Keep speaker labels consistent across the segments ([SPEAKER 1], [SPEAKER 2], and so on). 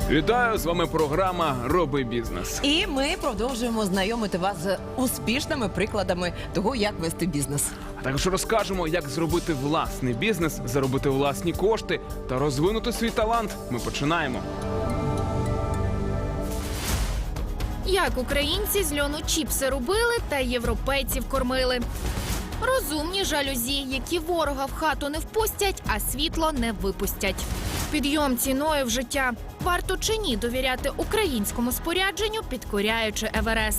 [SPEAKER 1] Вітаю, з вами програма «Роби бізнес».
[SPEAKER 2] І ми продовжуємо знайомити вас з успішними прикладами того, як вести бізнес.
[SPEAKER 1] А також розкажемо, як зробити власний бізнес, заробити власні кошти та розвинути свій талант. Ми починаємо.
[SPEAKER 3] Як українці з льону чіпси робили та європейців кормили. Розумні жалюзі, які ворога в хату не впустять, а світло не випустять. Підйом ціною в життя. Варто чи ні довіряти українському спорядженню, підкоряючи Еверест?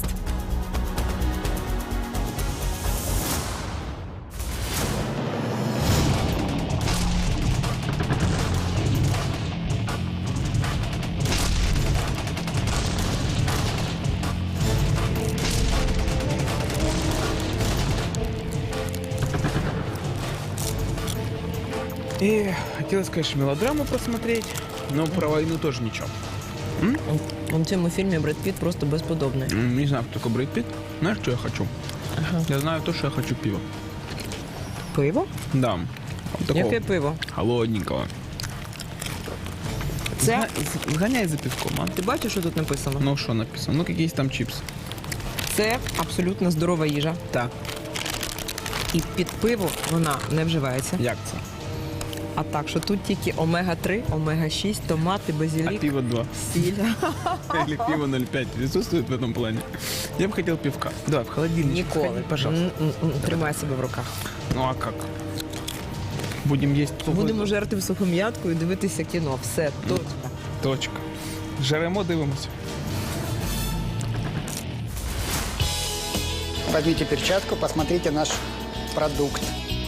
[SPEAKER 1] И хотелось, конечно, мелодраму посмотреть, но про войну тоже ничего.
[SPEAKER 2] У цьому фільмі Бред Піт просто безподобний.
[SPEAKER 1] Не знаю, кто такой Брэд Питт. Знаешь, что я хочу?
[SPEAKER 2] Ага.
[SPEAKER 1] Я знаю то, что я хочу пиво.
[SPEAKER 2] Пиво?
[SPEAKER 1] Да. Вот такого
[SPEAKER 2] Яке пиво?
[SPEAKER 1] холодненького.
[SPEAKER 2] Це?
[SPEAKER 1] Сгоняй за пивком, а?
[SPEAKER 2] Ти бачиш, що тут написано?
[SPEAKER 1] Ну, что написано? Ну, какие там чипсы.
[SPEAKER 2] Це абсолютно здорова їжа.
[SPEAKER 1] Так,
[SPEAKER 2] І під пиво вона не вживається.
[SPEAKER 1] як це?
[SPEAKER 2] А так, що тут тільки омега-3, омега-6, томати,
[SPEAKER 1] А
[SPEAKER 2] базилік,
[SPEAKER 1] пиво 2.
[SPEAKER 2] сіль.
[SPEAKER 1] Или пиво 0,5 присутствует в этом плане? Я бы хотел пивка. Да, в холодильник.
[SPEAKER 2] Ніколи.
[SPEAKER 1] Пожалуйста.
[SPEAKER 2] Тримай себе в руках.
[SPEAKER 1] Ну, а как? Будем есть
[SPEAKER 2] Будемо жерти в сухом'ятку і дивитися кіно. Все, точно.
[SPEAKER 1] Точка. Жеремо, дивимося.
[SPEAKER 4] Возьмите перчатку, посмотрите наш продукт.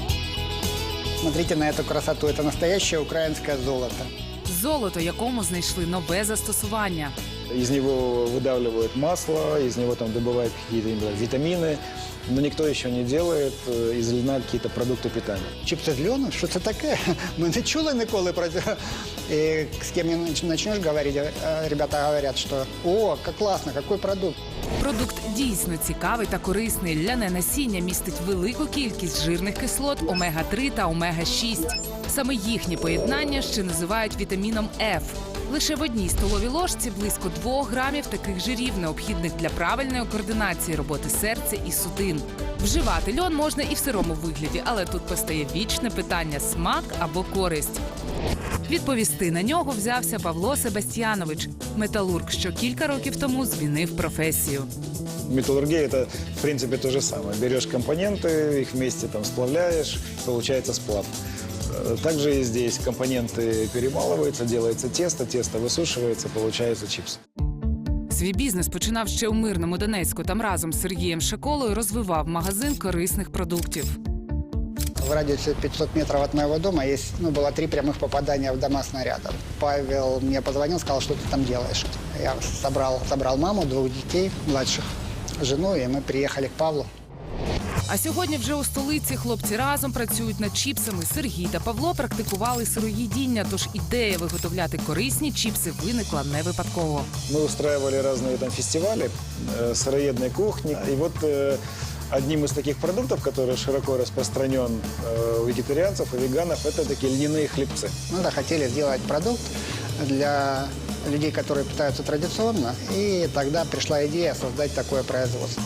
[SPEAKER 4] Смотрите на эту красоту. Это настоящее украинское золото.
[SPEAKER 5] Золото, якому знайшли нове застосування.
[SPEAKER 6] Из него выдавливают масло, из него там добывают какие-то витамины, но никто еще не делает из льна какие-то продукты питания.
[SPEAKER 4] Чипсы з льону? Що це таке? Ми не чули ніколи про це. І з ким не почнеш говорити, ребята говорять, що «О, як класно, який продукт».
[SPEAKER 5] Продукт дійсно цікавий та корисний. Ляне насіння містить велику кількість жирних кислот омега-3 та омега-6. Саме їхнє поєднання ще називають вітаміном F. Лише в одній столовій ложці близько 2 грамів таких жирів, необхідних для правильної координації роботи серця і судин. Вживати льон можна і в сирому вигляді, але тут постає вічне питання – смак або користь. Відповісти на нього взявся Павло Себастьянович, металург, що кілька років тому змінив професію.
[SPEAKER 6] Металлургия – это, в принципе, то же самое. Берешь компоненты, их вместе там сплавляешь, получается сплав. Также и здесь компоненты перемалываются, делается тесто, тесто высушивается, получается чипс.
[SPEAKER 5] Свій бізнес починав ще у мирному Донецьку. Там разом з Сергієм Шаколою розвивав магазин корисних продуктів.
[SPEAKER 4] В радиусе 500 метров от моего дома есть, было 3 прямых попадания в дома снарядов. Павел мне позвонил, сказал, что ты там делаешь. Я собрал маму, 2 детей младших, жену, и мы приехали к Павлу.
[SPEAKER 5] А сьогодні вже у столиці хлопці разом працюють над чіпсами. Сергій та Павло практикували сироїдіння, тож ідея виготовляти корисні чіпси виникла не випадково.
[SPEAKER 6] Мы устраивали разные там фестивали сыроедной кухни. И вот одним из таких продуктов, который широко распространен у вегетарианцев и веганов, это такие льняные хлебцы.
[SPEAKER 4] Мы хотели сделать продукт для людей, которые питаются традиционно, и тогда пришла идея создать такое производство.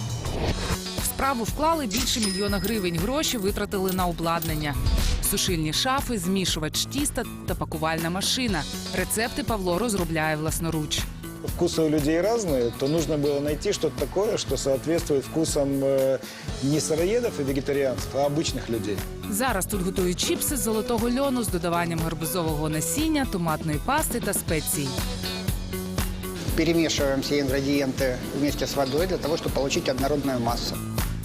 [SPEAKER 5] В справу вклали більше 1 мільйона гривень. Гроші витратили на обладнання. Сушильні шафи, змішувач тіста та пакувальна машина. Рецепти Павло розробляє власноруч.
[SPEAKER 6] Вкусы у людей разные, то нужно было найти что-то такое, что соответствует вкусам не сыроедов и вегетарианцев, а обычных людей.
[SPEAKER 5] Зараз тут готують чіпси з золотого льону з додаванням гарбузового насіння, томатної пасти та спецій.
[SPEAKER 4] Перемешиваем все ингредиенты вместе с водой для того, чтобы получить однородную массу.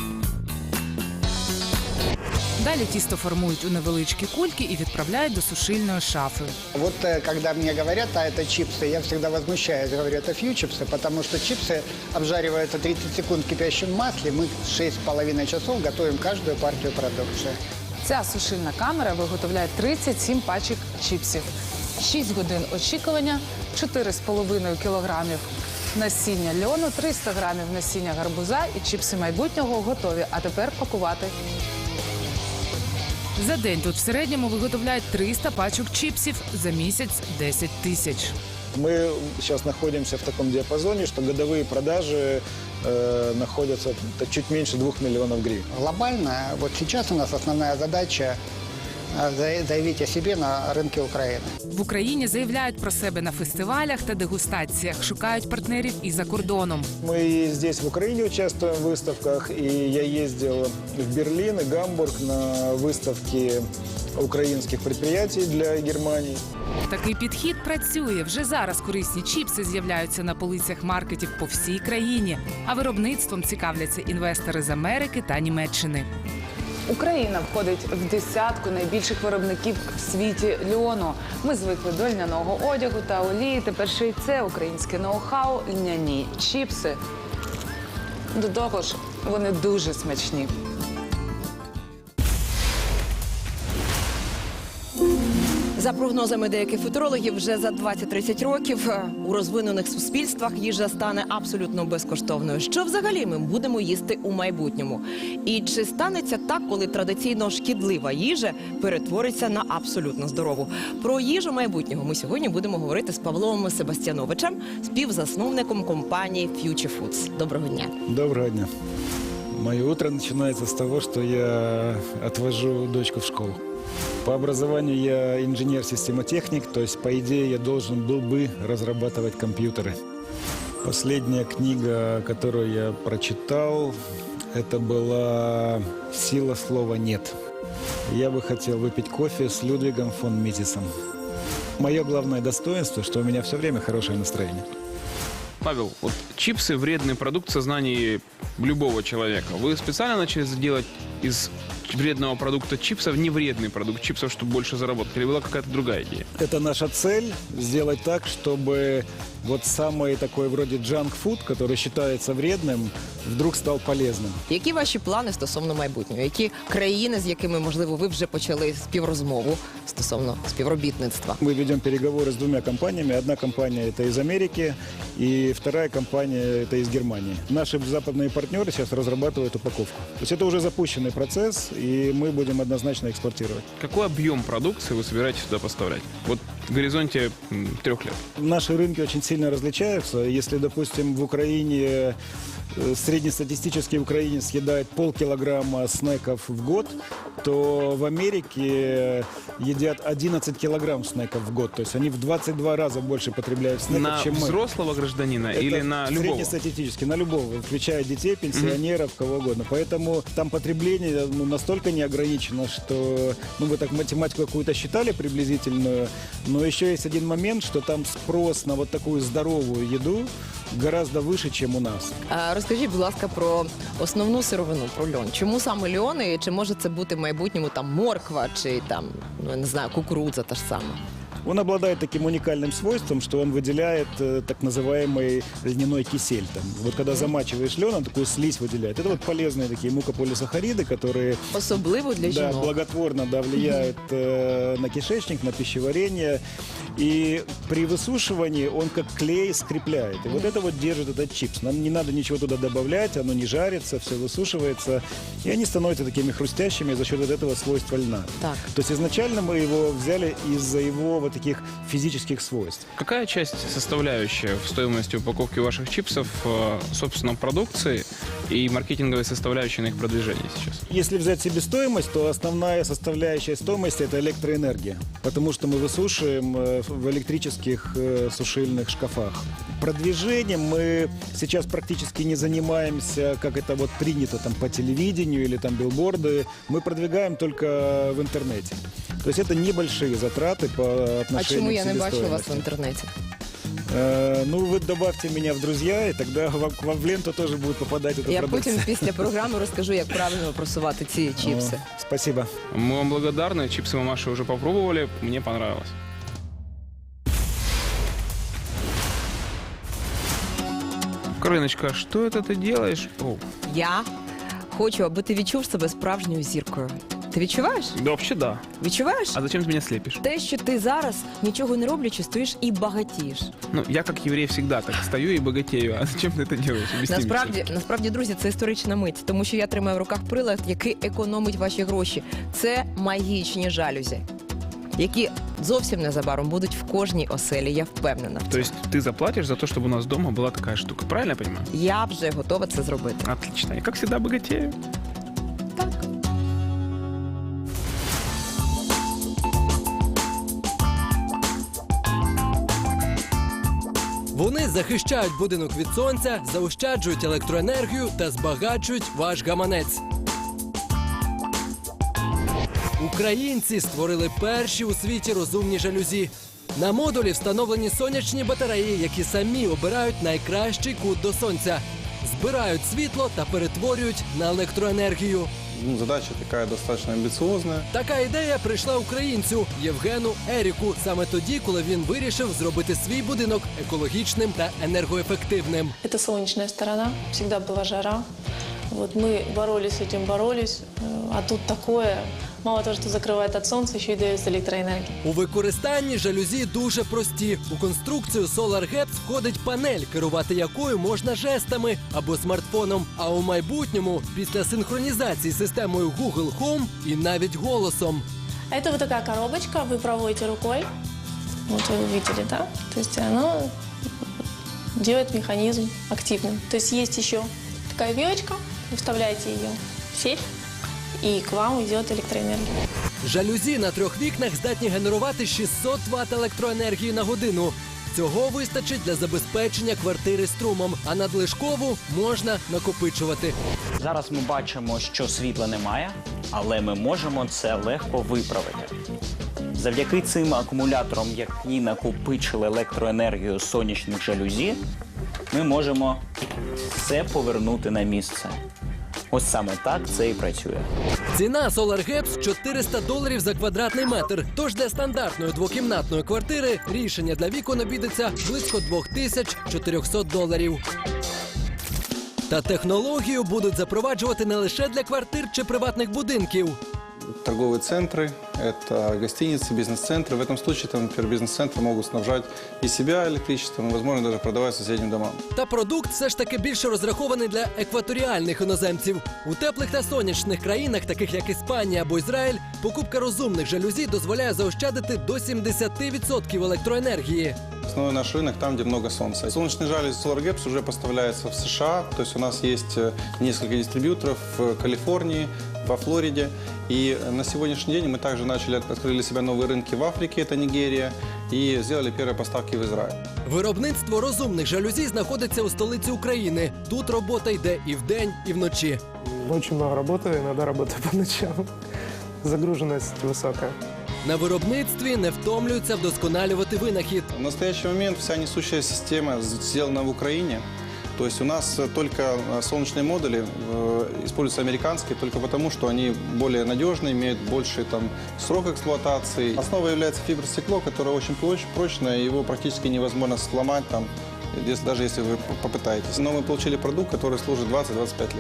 [SPEAKER 5] Далі тісто формують у невеличкі кульки і відправляють до сушильної шафи.
[SPEAKER 4] Вот когда мне говорят, а это чипсы, я всегда возмущаюсь, говорю, это фью-чипсы, потому что чипсы обжариваются 30 секунд в кипящем масле, мы 6,5 часов готовим каждую партию продукции.
[SPEAKER 7] Ця сушильна камера виготовляє 37 пачок чіпсів. 6 годин очікування, 4,5 кілограмів насіння льону, 300 грамів насіння гарбуза і чіпси майбутнього готові. А тепер пакувати.
[SPEAKER 5] За день тут в середньому виготовляють 300 пачок чіпсів, за місяць – 10 тисяч.
[SPEAKER 6] Мы сейчас находимся в таком диапазоне, что годовые продажи находятся чуть меньше 2 миллионов гривен.
[SPEAKER 4] Глобально, вот сейчас у нас основная задача заявить о себе на рынке Украины.
[SPEAKER 5] В Україні заявляють про себе на фестивалях та дегустаціях, шукають партнерів і за кордоном.
[SPEAKER 6] Мы и здесь, в Украине, участвуем в выставках, и я ездил в Берлин и Гамбург на выставки украинских предприятий для Германии.
[SPEAKER 5] Такий підхід працює. Вже зараз корисні чіпси з'являються на полицях маркетів по всій країні, а виробництвом цікавляться інвестори з Америки та Німеччини.
[SPEAKER 7] Україна входить в десятку найбільших виробників в світі льону. Ми звикли до льняного одягу та олії. Тепер ще й це українське ноу-хау – льняні чіпси. До того ж, вони дуже смачні.
[SPEAKER 2] За прогнозами деяких футурологів, вже за 20-30 років у розвинених суспільствах їжа стане абсолютно безкоштовною. Що взагалі ми будемо їсти у майбутньому? І чи станеться так, коли традиційно шкідлива їжа перетвориться на абсолютно здорову? Про їжу майбутнього ми сьогодні будемо говорити з Павлом Себастьяновичем, співзасновником компанії Future Foods. Доброго дня.
[SPEAKER 6] Доброго дня. Мое утро начинается с того, что я отвожу дочку в школу. По образованию я инженер-системотехник, то есть, по идее, я должен был бы разрабатывать компьютеры. Последняя книга, которую я прочитал, это была «Сила слова нет». Я бы хотел выпить кофе с Людвигом фон Мизисом. Мое главное достоинство, что у меня все время хорошее настроение.
[SPEAKER 1] Павел, вот чипсы – вредный продукт в сознании любого человека. Вы специально начали делать из вредного продукта чипсов невредный продукт чипсов, чтобы больше заработать? Или была какая-то другая идея?
[SPEAKER 6] Это наша цель – сделать так, чтобы вот самый такой вроде джанк-фуд, который считается вредным, вдруг стал полезным.
[SPEAKER 2] Які ваші плани стосовно майбутнього? Які країни, з якими, можливо, ви вже почали співрозмову стосовно співробітництва?
[SPEAKER 6] Мы ведем переговоры с двумя компаниями. Одна компания – это из Америки, и вторая компания – это из Германии. Наши западные партнеры сейчас разрабатывают упаковку. То есть это уже запущенный процесс, и мы будем однозначно экспортировать.
[SPEAKER 1] Какой объем продукции вы собираетесь сюда поставлять? Вот в горизонте 3 лет.
[SPEAKER 6] Наши рынки очень сильно различаются. Если, допустим, в Украине среднестатистический украинец съедает полкилограмма снеков в год, то в Америке едят 11 килограмм снеков в год. То есть они в 22 раза больше потребляют снеков,
[SPEAKER 1] На
[SPEAKER 6] чем мы.
[SPEAKER 1] взрослого гражданина
[SPEAKER 6] Это
[SPEAKER 1] или на любого?
[SPEAKER 6] среднестатистически, на любого, включая детей, пенсионеров, кого угодно. Поэтому там потребление настолько не ограничено, что вы так математику какую-то считали приблизительную, но еще есть один момент, что там спрос на вот такую здоровую еду гораздо выше, чем у нас.
[SPEAKER 2] Розкажіть, будь ласка, про основну сировину, про льон. Чому саме льон і чи може це бути в майбутньому там морква чи там, ну, я не знаю, кукурудза та ж сама?
[SPEAKER 6] Он обладает таким уникальным свойством, что он выделяет так называемый льняной кисель. Там. Вот когда замачиваешь лен, он такую слизь выделяет. Это вот полезные такие мукополисахариды, которые
[SPEAKER 2] Особливо для
[SPEAKER 6] да,
[SPEAKER 2] жінок.
[SPEAKER 6] благотворно влияют на кишечник, на пищеварение. И при высушивании он как клей скрепляет. И вот это вот держит этот чипс. Нам не надо ничего туда добавлять, оно не жарится, все высушивается. И они становятся такими хрустящими за счет вот этого свойства льна.
[SPEAKER 2] Так.
[SPEAKER 6] То есть изначально мы его взяли из-за его вот таких физических свойств.
[SPEAKER 1] Какая часть составляющая в стоимости упаковки ваших чипсов, собственно, продукции и маркетинговой составляющей на их продвижении сейчас?
[SPEAKER 6] Если взять себестоимость, то основная составляющая стоимости – это электроэнергия. Потому что мы высушиваем в электрических сушильных шкафах. Продвижением мы сейчас практически не занимаемся, как это вот принято там по телевидению или там билборды. Мы продвигаем только в интернете. То есть это небольшие затраты по отношению
[SPEAKER 2] А чому я
[SPEAKER 6] к
[SPEAKER 2] не бачу вас в
[SPEAKER 6] себестоимости.
[SPEAKER 2] інтернеті?
[SPEAKER 6] Ну, вы добавьте меня в друзья, и тогда к вам в ленту тоже будет попадать эта
[SPEAKER 2] Я
[SPEAKER 6] продукция.
[SPEAKER 2] потім після програми розкажу, як правильно просувати ці чіпси.
[SPEAKER 6] О, спасибо.
[SPEAKER 1] Мы вам благодарны. Чипсы мамаши уже попробовали. Мне понравилось. Кариночка, что это ты делаешь? О,
[SPEAKER 2] Я хочу, аби ти відчув себе справжньою зіркою. Ти відчуваєш?
[SPEAKER 1] да вообще да.
[SPEAKER 2] Відчуваєш?
[SPEAKER 1] А зачем ты меня слепишь?
[SPEAKER 2] Те, що ти зараз нічого не роблячи, стоїш і багатієш.
[SPEAKER 1] Ну, я как еврей всегда так стою и богатею. А зачем ты это делаешь? Объясни мне.
[SPEAKER 2] Насправді, друзі, це історична мить, тому що я тримаю в руках прилад, який економить ваші гроші. Це магічні жалюзі. які зовсім незабаром будуть в кожній оселі, я впевнена.
[SPEAKER 1] То есть ты заплатишь за то, чтобы у нас дома была такая штука. Правильно я понимаю?
[SPEAKER 2] Я вже готова це зробити.
[SPEAKER 1] Отлично. Я, как всегда, богатею.
[SPEAKER 2] Так.
[SPEAKER 8] Вони захищають будинок від сонця, заощаджують електроенергію та збагачують ваш гаманець. Українці створили перші у світі розумні жалюзі. На модулі встановлені сонячні батареї, які самі обирають найкращий кут до сонця. Збирають світло та перетворюють на електроенергію.
[SPEAKER 9] Задача такая достаточно амбициозная.
[SPEAKER 8] Така ідея прийшла українцю Євгену Еріку саме тоді, коли він вирішив зробити свій будинок екологічним та енергоефективним.
[SPEAKER 10] Это солнечная сторона, всегда была жара. Вот мы боролись с этим, а тут такое. Мало того, что закрывает от солнца, еще и дает электроэнергию.
[SPEAKER 8] У використанні жалюзі дуже прості. У конструкцію Solar Gaps входить панель, керувати якою можна жестами або смартфоном. А у майбутньому після синхронізації з системою Google Home і навіть голосом.
[SPEAKER 10] Это вот такая коробочка, вы проводите рукой. Вот вы увидели, да? То есть оно делает механизм активным. То есть есть еще такая вилочка, вы вставляете ее в сеть, і к вам йде електроенергія.
[SPEAKER 8] Жалюзі на 3 вікнах здатні генерувати 600 Вт електроенергії на годину. Цього вистачить для забезпечення квартири струмом, а надлишкову можна накопичувати.
[SPEAKER 11] Зараз ми бачимо, що світла немає, але ми можемо це легко виправити. Завдяки цим акумуляторам, які накопичили електроенергію з сонячних жалюзі, ми можемо все повернути на місце. Ось саме так це і працює.
[SPEAKER 8] Ціна Solar Gaps $400 за квадратний метр. Тож для стандартної двокімнатної квартири рішення для вікон обійдеться близько $2400. Та технологію будуть запроваджувати не лише для квартир чи приватних будинків.
[SPEAKER 9] Торговые центры, это гостиницы, бизнес-центры. В этом случае, там, например, бизнес-центры могут снабжать и себя электричеством, и, возможно, даже продавать соседним домам.
[SPEAKER 8] Та продукт все ж таки більше розрахований для екваторіальних іноземців. У теплих та сонячних країнах, таких як Іспанія або Ізраїль, покупка розумних жалюзі дозволяє заощадити до 70% електроенергії.
[SPEAKER 9] Основной наш рынок там, где много солнца. Солнечный жалюзи Solar Gaps уже поставляется в США. То есть у нас есть несколько дистрибьюторов в Калифорнии, во Флориде. И на сегодняшний день мы также открыли для себя новые рынки в Африке, это Нигерия, и сделали первые поставки в Израиль.
[SPEAKER 8] Виробництво розумних жалюзі знаходиться у столиці України. Тут робота йде і вдень, і вночі.
[SPEAKER 12] Очень много работаю, иногда работаю по ночам. Загруженность высокая.
[SPEAKER 8] На виробництві не втомлюються вдосконалювати винахід.
[SPEAKER 9] В настоящий момент вся несущая система сделана в Украине. То есть у нас только солнечные модули используются американские, только потому, что они более надежные, имеют больший срок эксплуатации. Основой является фибростекло, которое очень прочное, его практически невозможно сломать, даже если вы попытаетесь. Но мы получили продукт, который служит 20-25 лет.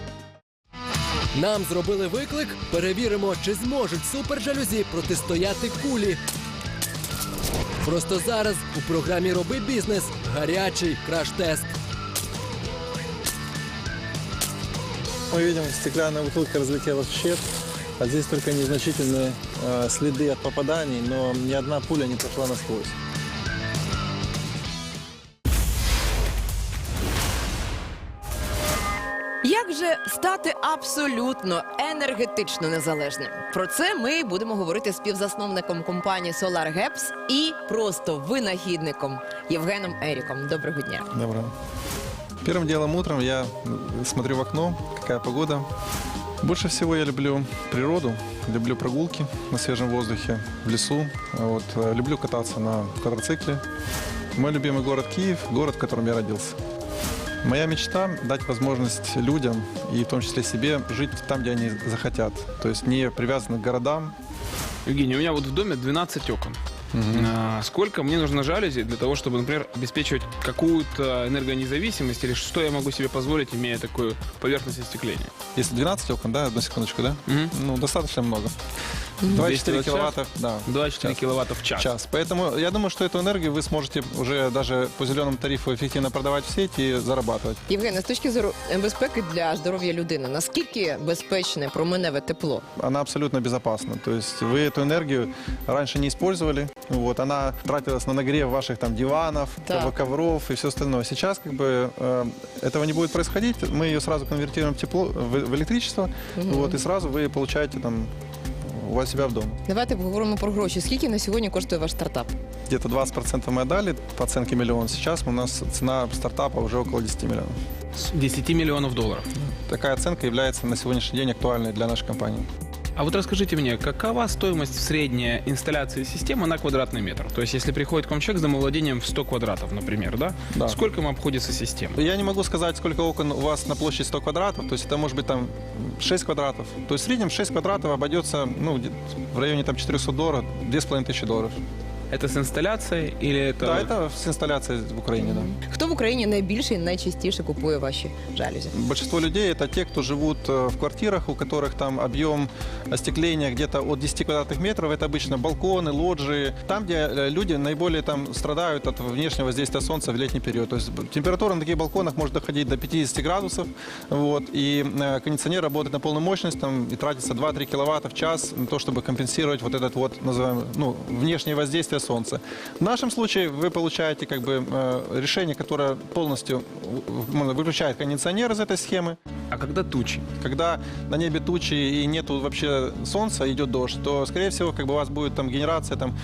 [SPEAKER 8] Нам зробили виклик, перевіримо, чи зможуть супержалюзі протистояти кулі. Просто зараз у програмі «Роби бізнес» гарячий краш-тест.
[SPEAKER 6] Мы видим, стеклянная бутылка разлетелась в щепь, а здесь только незначительные следы от попаданий, но ни одна пуля не прошла насквозь.
[SPEAKER 2] Як же стати абсолютно енергетично незалежним? Про це ми будемо говорити з співзасновником компанії Solar Gaps і просто винахідником Євгеном Еріком. Доброго дня.
[SPEAKER 9] Доброго. Первым делом утром я смотрю в окно, какая погода. Больше всего я люблю природу, люблю прогулки на свежем воздухе, в лесу. Люблю кататься на квадроцикле. Мой любимый город Киев, город, в котором я родился. Моя мечта – дать возможность людям, и в том числе себе, жить там, где они захотят. То есть не привязаны к городам.
[SPEAKER 1] Евгений, у меня вот в доме 12 окон. Сколько мне нужно жалюзи для того, чтобы, например, обеспечивать какую-то энергонезависимость, или что я могу себе позволить, имея такую поверхность остекления?
[SPEAKER 9] Если 12 окон, да, одну секундочку, да? Ну, достаточно много. 2,4 киловатта, да.
[SPEAKER 1] 24 киловатта в час.
[SPEAKER 9] Поэтому я думаю, что эту энергию вы сможете уже даже по зеленому тарифу эффективно продавать в сеть и зарабатывать.
[SPEAKER 2] Євгене, з точки зору безпеки для здоров'я людини, наскільки безпечне променеве тепло?
[SPEAKER 9] Она абсолютно безопасна. То есть вы эту энергию раньше не использовали. Вот, она тратилась на нагрев ваших там диванов,
[SPEAKER 2] Так.
[SPEAKER 9] ковров и все остальное. Сейчас как бы этого не будет происходить. Мы ее сразу конвертируем в тепло, в электричество. Вот, и сразу вы получаете там у себя в дома.
[SPEAKER 2] Давайте поговоримо про гроші. Скільки на сьогодні коштує ваш стартап?
[SPEAKER 9] Где-то 20% мы отдали по оценке миллион. Сейчас у нас цена стартапа уже около 10 миллионов.
[SPEAKER 1] 10 миллионов долларов.
[SPEAKER 9] Такая оценка является на сегодняшний день актуальной для нашей компании.
[SPEAKER 1] А вот расскажите мне, какова стоимость средняя инсталляции системы на квадратный метр? То есть, если приходит к вам человек с домовладением в 100 квадратов, например, да?
[SPEAKER 9] Да.
[SPEAKER 1] Сколько ему обходится система?
[SPEAKER 9] Я не могу сказать, сколько окон у вас на площадь 100 квадратов, то есть это может быть там 6 квадратов. То есть в среднем 6 квадратов обойдется в районе там $400, $2500.
[SPEAKER 1] Это с инсталляцией или это...
[SPEAKER 9] Да, это с инсталляцией в Украине, да.
[SPEAKER 2] Хто в Україні найбільше і найчастіше купує ваші жалюзі?
[SPEAKER 9] Большинство людей это те, кто живут в квартирах, у которых там объем остекления где-то от 10 квадратных метров. Это обычно балконы, лоджии. Там, где люди наиболее там страдают от внешнего воздействия солнца в летний период. То есть температура на таких балконах может доходить до 50 градусов. Вот, и кондиционер работает на полную мощность там, и тратится 2-3 киловатта в час на то, чтобы компенсировать вот этот вот, называемый, внешнее воздействие солнца. В нашем случае вы получаете как бы решение, которое полностью выключает кондиционер из этой схемы.
[SPEAKER 1] А когда тучи?
[SPEAKER 9] Когда на небе тучи и нету вообще солнца, идет дождь, то, скорее всего, как бы у вас будет там генерация там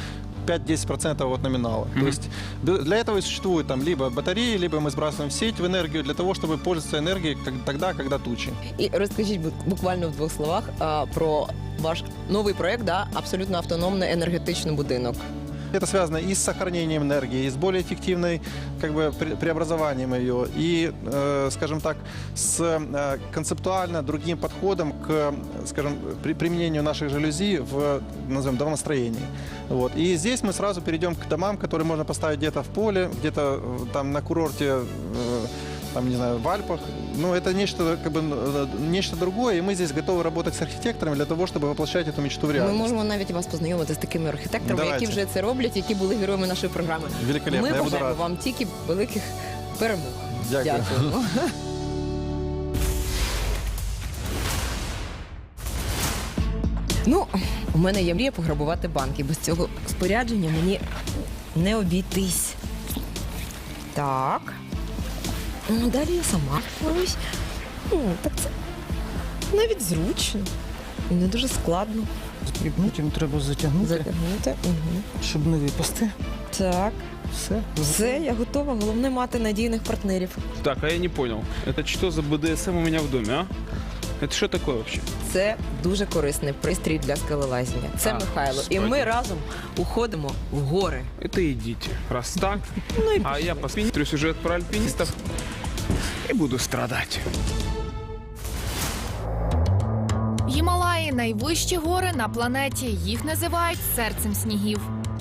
[SPEAKER 9] 5-10% от номинала. То есть для этого и существуют там либо батареи, либо мы сбрасываем в сеть в энергию для того, чтобы пользоваться энергией тогда, когда тучи.
[SPEAKER 2] І розкажіть буквально в двох словах про ваш новий проект, да, абсолютно автономний енергетичний будинок.
[SPEAKER 9] Это связано и с сохранением энергии, и с более эффективной как бы, преобразованием ее, и, скажем так, с концептуально другим подходом к, скажем, применению наших жалюзи в, назовем, домостроении. Вот. И здесь мы сразу перейдем к домам, которые можно поставить где-то в поле, где-то там на курорте, там, не знаю, в Альпах. Ну, это нечто, как бы, нечто другое, и мы здесь готовы работать с архитекторами для того, чтобы воплощать эту мечту в
[SPEAKER 2] Ми
[SPEAKER 9] реальность.
[SPEAKER 2] можемо навіть вас познайомити з такими архітекторами,
[SPEAKER 9] Давайте.
[SPEAKER 2] які вже це роблять, які були героями нашої програми.
[SPEAKER 9] Великолепно,
[SPEAKER 2] Ми
[SPEAKER 9] я буду
[SPEAKER 2] бажаємо
[SPEAKER 9] рад.
[SPEAKER 2] вам тільки великих перемог.
[SPEAKER 9] Дякую.
[SPEAKER 2] Дякуємо. Ну, у мене є мрія пограбувати банк, і без цього спорядження мені не обійтись. Так. Ну, далі я сама впорусь. Так це навіть зручно. І не дуже складно.
[SPEAKER 12] Потім треба затягнути,
[SPEAKER 2] Затягнути. Угу.
[SPEAKER 12] щоб не випасти.
[SPEAKER 2] Так.
[SPEAKER 12] Все.
[SPEAKER 2] Я готова. Головне мати надійних партнерів.
[SPEAKER 1] Так, а я не понял. Это что за БДСМ у меня в доме, а? Это что такое вообще?
[SPEAKER 2] Це дуже корисний пристрій для скелелазіння. Це
[SPEAKER 1] А,
[SPEAKER 2] Михайло. І
[SPEAKER 1] справді.
[SPEAKER 2] ми разом уходимо в гори.
[SPEAKER 1] Это идите. Раз так, а я посмотрю сюжет про альпинистов и буду страдать.
[SPEAKER 3] Гімалаї – найвищі гори на планеті. Їх називають серцем снігів.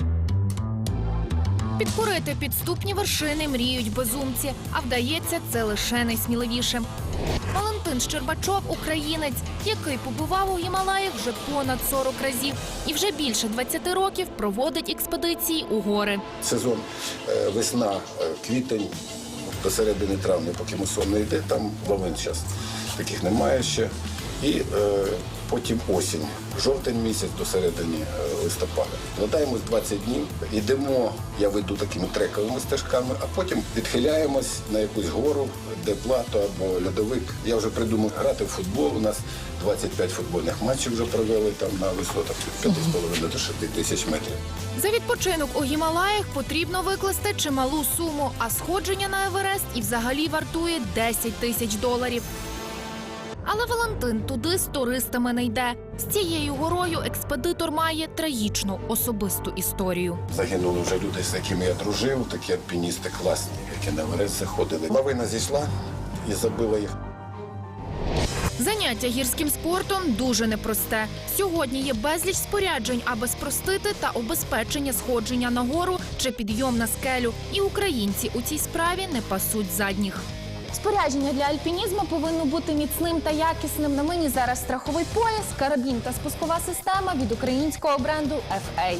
[SPEAKER 3] Підкорити підступні вершини мріють безумці, а вдається це лише найсміливішим. Валентин Щербачов – українець, який побував у Гімалаях вже понад 40 разів і вже більше 20 років проводить експедиції у гори.
[SPEAKER 13] Сезон весна, квітень, до середини травня, поки мусон не йде, там лавин зараз таких немає ще. І потім осінь, жовтень місяць до середини листопада. Вкладаємось 20 днів, йдемо, я веду такими трековими стежками, а потім відхиляємось на якусь гору, де плато або льодовик. Я вже придумав грати в футбол, у нас 25 футбольних матчів вже провели там на висотах від 5,5 до 6 тисяч метрів.
[SPEAKER 3] За відпочинок у Гімалаях потрібно викласти чималу суму, а сходження на Еверест і взагалі вартує $10 тисяч. Але Валентин туди з туристами не йде. З цією горою експедитор має трагічну особисту історію.
[SPEAKER 13] Загинули вже люди, з якими я дружив, такі альпіністи класні, які на Еверест заходили. Лавина зійшла і забила їх.
[SPEAKER 3] Заняття гірським спортом дуже непросте. Сьогодні є безліч споряджень, аби спростити та обезпечення сходження на гору чи підйом на скелю. І українці у цій справі не пасуть задніх. Спорядження для альпінізму повинно бути міцним та якісним. На мені зараз страховий пояс, карабін та спускова система від українського бренду FA.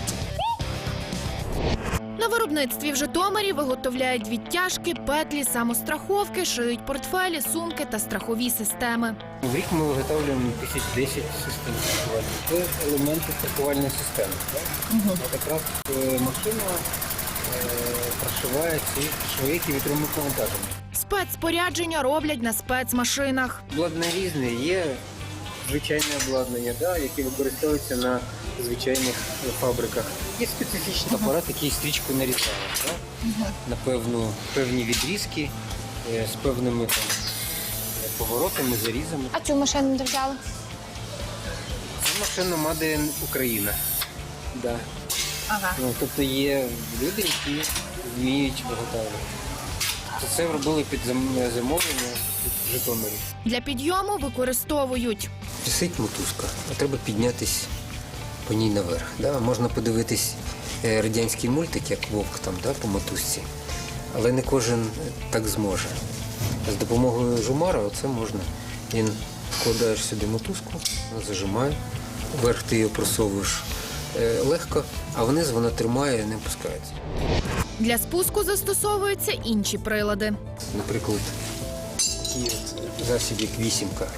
[SPEAKER 3] На виробництві в Житомирі виготовляють відтяжки, петлі, самостраховки, шиють портфелі, сумки та страхові системи.
[SPEAKER 14] В рік ми виготовлюємо 1010 систем страхувальних. Це елементи страхувальної системи. От якраз машина прошиває ці шви, які вітровими навантаженнями.
[SPEAKER 3] Спецспорядження роблять на спецмашинах.
[SPEAKER 14] Обладнання різне, є звичайне обладнання, яке використовується на звичайних фабриках. Є специфічний апарат, який стрічку нарізає на певні відрізки з певними поворотами, зарізами.
[SPEAKER 3] А цю машину де взяли?
[SPEAKER 14] Це машина Made in Україна. Да.
[SPEAKER 3] Ага.
[SPEAKER 14] Тобто є люди, які вміють виготовлювати. Це робили під замовлення в Житомирі.
[SPEAKER 3] Для підйому використовують.
[SPEAKER 14] Висить мотузка, а треба піднятися по ній наверх. Можна подивитись радянський мультик, як вовк там, по мотузці, але не кожен так зможе. З допомогою жумара це можна. Він вкладаєш сюди мотузку, вона зажимає, вверх ти її просовуєш легко, а вниз вона тримає і не опускається.
[SPEAKER 3] Для спуску застосовуються інші прилади.
[SPEAKER 14] Наприклад, такий засіб, як вісімка.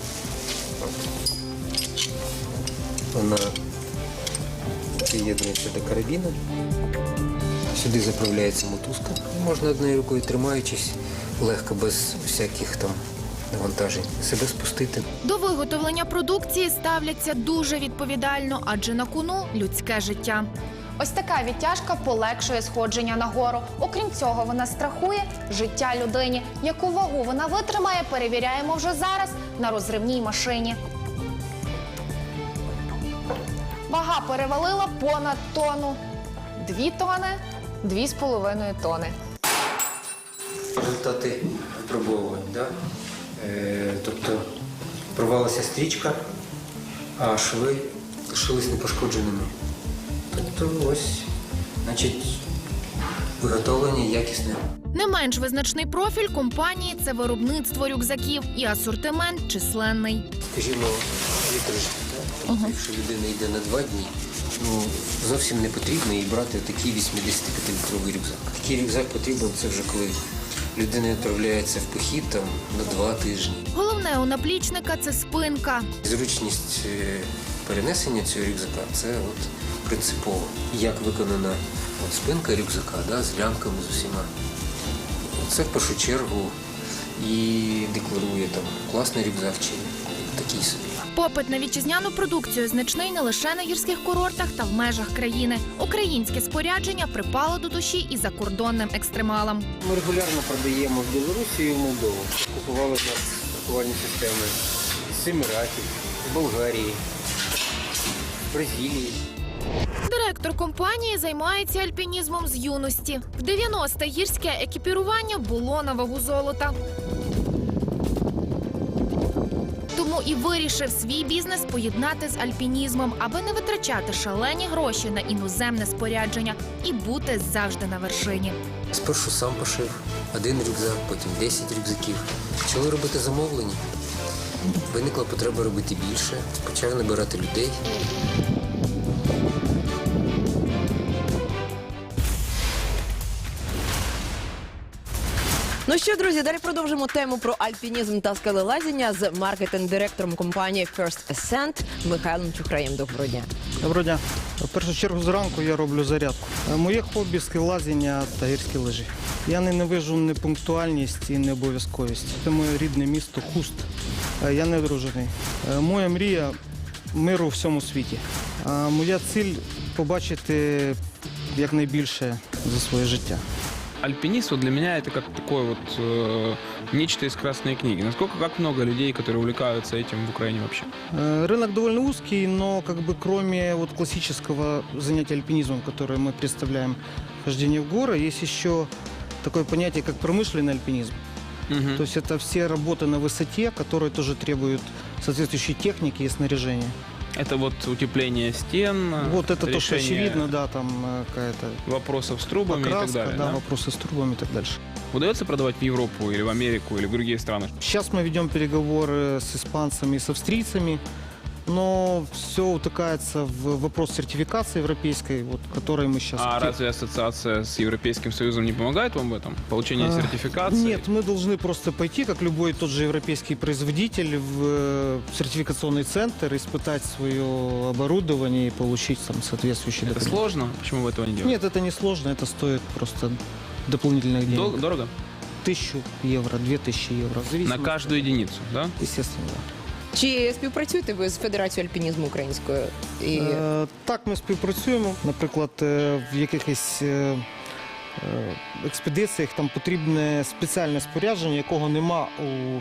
[SPEAKER 14] Вона приєднується до карабіну. Сюди заправляється мотузка. Можна однією рукою, тримаючись, легко, без всяких там навантажень, себе спустити.
[SPEAKER 3] До виготовлення продукції ставляться дуже відповідально, адже на кону людське життя. Ось така відтяжка полегшує сходження на гору. Окрім цього, вона страхує життя людині. Яку вагу вона витримає, перевіряємо вже зараз на розривній машині. Вага перевалила понад тонну. 2 тони, 2,5 тони.
[SPEAKER 14] Результати випробовувань. Тобто порвалася стрічка, а шви лишились непошкодженими. Тобто ось, значить, виготовлення якісне. Не менш визначний профіль компанії – це виробництво рюкзаків і асортимент численний. Скажімо, літрожки. Тобто, якщо людина йде на 2 дні, зовсім не потрібно їй брати такий 85-літровий рюкзак. Такий рюкзак потрібен, це вже коли людина відправляється в похід на 2 тижні.
[SPEAKER 3] Головне у наплічника – це спинка.
[SPEAKER 14] Зручність перенесення цього рюкзака – це принципово. Як виконана спинка рюкзака з лямками, з усіма. Це в першу чергу і декларує класний рюкзак чи такий собі.
[SPEAKER 3] Попит на вітчизняну продукцію значний не лише на гірських курортах та в межах країни. Українське спорядження припало до душі і закордонним екстремалам.
[SPEAKER 14] Ми регулярно продаємо в Білорусі і в Молдову. Купували в нас страхувальні системи з Еміратів, з Болгарії, з Бразилії.
[SPEAKER 3] Директор компанії займається альпінізмом з юності. В 90-х гірське екіпірування було на вагу золота. Тому і вирішив свій бізнес поєднати з альпінізмом, аби не витрачати шалені гроші на іноземне спорядження і бути завжди на вершині.
[SPEAKER 14] Спершу сам пошив 1 рюкзак, потім 10 рюкзаків. Почали робити замовлення. Виникла потреба робити більше, почав набирати людей.
[SPEAKER 2] Ну що, друзі, далі продовжимо тему про альпінізм та скелелазіння з маркетинг-директором компанії First Ascent Михайлом Чухраєм. Доброго дня.
[SPEAKER 12] Доброго дня. В першу чергу зранку я роблю зарядку. Моє хобі – скелелазіння та гірські лижі. Я ненавижу непунктуальність і необов'язковість. Це моє рідне місто Хуст. Я не одружений. Моя мрія – миру у всьому світі. Моя ціль – побачити якнайбільше за своє життя.
[SPEAKER 1] Альпинист для меня это как такое нечто из красной книги. Как много людей, которые увлекаются этим в Украине вообще?
[SPEAKER 12] Рынок довольно узкий, но кроме классического занятия альпинизмом, которое мы представляем, хождение в горы, есть еще такое понятие, как промышленный альпинизм. То есть это все работы на высоте, которые тоже требуют соответствующей техники и снаряжения.
[SPEAKER 1] Это вот утепление стен,
[SPEAKER 12] Вот это то, что
[SPEAKER 1] решение
[SPEAKER 12] очевидно, да, там какая-то
[SPEAKER 1] вопросов с трубами и так
[SPEAKER 12] покраска,
[SPEAKER 1] далее.
[SPEAKER 12] да,
[SPEAKER 1] да?
[SPEAKER 12] вопросы с трубами и так дальше.
[SPEAKER 1] Удается продавать в Европу или в Америку или в другие страны?
[SPEAKER 12] Сейчас мы ведем переговоры с испанцами и с австрийцами, но все утыкается в вопрос сертификации европейской, вот, которой мы сейчас...
[SPEAKER 1] А разве ассоциация с Европейским Союзом не помогает вам в этом? Получение сертификации?
[SPEAKER 12] Нет, мы должны просто пойти, как любой тот же европейский производитель, в сертификационный центр, испытать свое оборудование и получить там соответствующие
[SPEAKER 1] Это
[SPEAKER 12] документы.
[SPEAKER 1] сложно? Почему вы этого не делаете?
[SPEAKER 12] Нет, это не сложно, это стоит просто дополнительных денег.
[SPEAKER 1] Дорого?
[SPEAKER 12] 1000 евро, 2000 евро. в
[SPEAKER 1] На
[SPEAKER 12] зависимости
[SPEAKER 1] каждую единицу, да?
[SPEAKER 12] Естественно, да.
[SPEAKER 2] Чи співпрацюєте ви з Федерацією альпінізму українською? І...
[SPEAKER 12] Так, ми співпрацюємо. Наприклад, в якихось експедиціях там потрібне спеціальне спорядження, якого нема у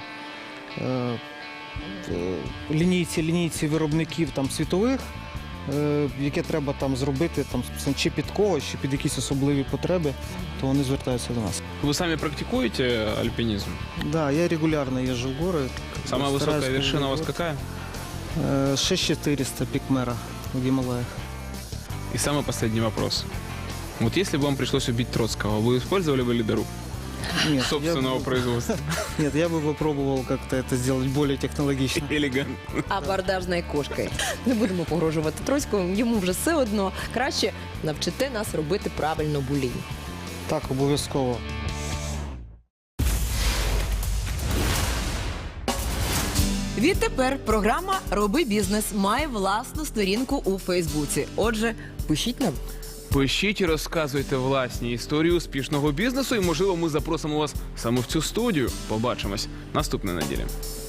[SPEAKER 12] лінійці виробників там, світових, яке треба там зробити там, чи під когось, чи під якісь особливі потреби, то вони звертаються до нас.
[SPEAKER 1] Вы сами практикуете альпинизм?
[SPEAKER 12] Да, я регулярно езжу в горы.
[SPEAKER 1] Самая
[SPEAKER 12] Стараюсь
[SPEAKER 1] высокая вершина у вас
[SPEAKER 12] круглый год.
[SPEAKER 1] какая?
[SPEAKER 12] 6400 пик Мэра в Гималаях.
[SPEAKER 1] И самый последний вопрос. Вот если бы вам пришлось убить Троцкого, вы использовали бы ледоруб
[SPEAKER 12] Нет,
[SPEAKER 1] собственного производства?
[SPEAKER 12] Нет, я бы попробовал как-то это сделать более технологично.
[SPEAKER 1] Элегантно.
[SPEAKER 2] Абордажною кошкою. Не будемо погрожувати Троцькому, йому вже все одно. Краще навчите нас робити правильно булінь.
[SPEAKER 12] Так, обов'язково.
[SPEAKER 2] Відтепер програма «Роби бізнес» має власну сторінку у Фейсбуці. Отже, пишіть нам.
[SPEAKER 1] Пишіть і розказуйте власні історії успішного бізнесу, і, можливо, ми запросимо вас саме в цю студію. Побачимось наступної неділі.